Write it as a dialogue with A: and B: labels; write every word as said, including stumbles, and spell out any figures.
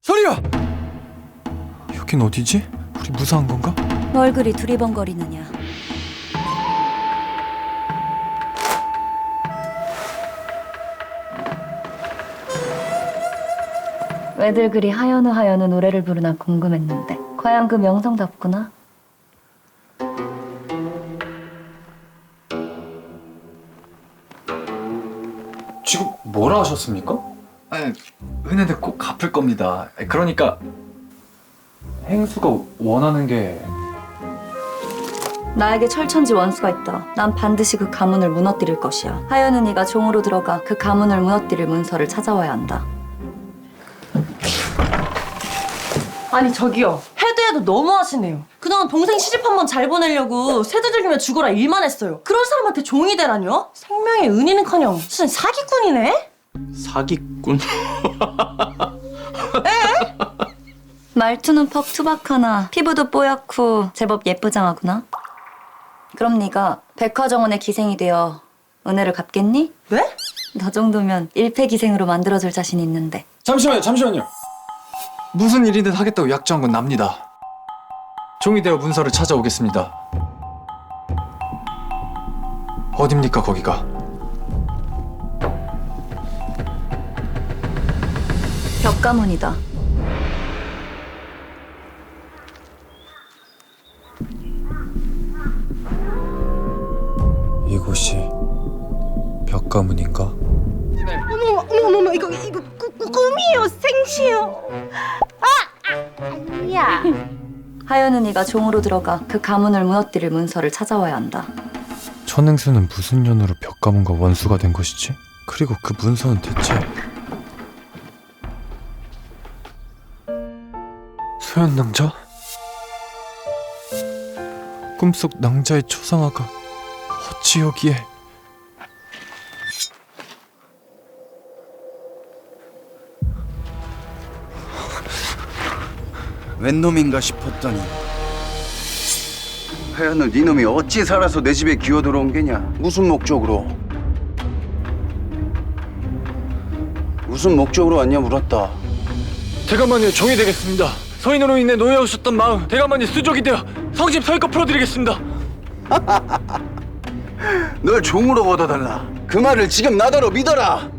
A: 소리야! 여긴 어디지? 우리 무사한 건가?
B: 뭘 그리 두리번거리느냐. 왜들 그리 하연우 하연우 노래를 부르나 궁금했는데 과연 그 명성답구나.
A: 지금 뭐라 하셨습니까? 아니, 은혜는 꼭 갚을 겁니다. 그러니까 행수가 원하는 게...
B: 나에게 철천지 원수가 있다. 난 반드시 그 가문을 무너뜨릴 것이야. 하연우 네가 종으로 들어가 그 가문을 무너뜨릴 문서를 찾아와야 한다.
C: 아니 저기요, 해도 해도 너무하시네요. 그동안 동생 시집 한 번 잘 보내려고 세두들기면 죽어라 일만 했어요. 그런 사람한테 종이 되라뇨? 생명의 은인은커녕 무슨 사기꾼이네?
A: 사기꾼?
B: 말투는 퍽 투박하나 피부도 뽀얗고 제법 예쁘장하구나. 그럼 네가 백화정원의 기생이 되어 은혜를 갚겠니?
C: 네?
B: 너 정도면 일패기생으로 만들어줄 자신 있는데.
A: 잠시만요, 잠시만요. 무슨 일이든 하겠다고 약정한 건 납니다. 종이 되어 문서를 찾아오겠습니다. 어딥니까, 거기가?
B: 벽가문이다.
A: 이곳이 벽가문인가?
C: 어머 어머 어머 이거 이거 꾸, 꾸, 꿈이에요, 생시요.
D: 야,
B: 하연우 네가 종으로 들어가 그 가문을 무너뜨릴 문서를 찾아와야 한다.
A: 천행수는 무슨 년으로 벽가문과 원수가 된 것이지? 그리고 그 문서는 대체... 소현낭자? 꿈속 낭자의 초상화가 어찌 여기에...
E: 웬 놈인가 싶었더니 하여는 네 놈이 어찌 살아서 내 집에 기어 들어온 게냐? 무슨 목적으로? 무슨 목적으로 왔냐 물었다.
A: 대감마니의 종이 되겠습니다. 서인으로 인해 노예하셨던 마음 대감마니 수족이 되어 성심 서일껏 풀어드리겠습니다.
E: 널 종으로 얻어달라. 그 말을 지금 나더러 믿어라.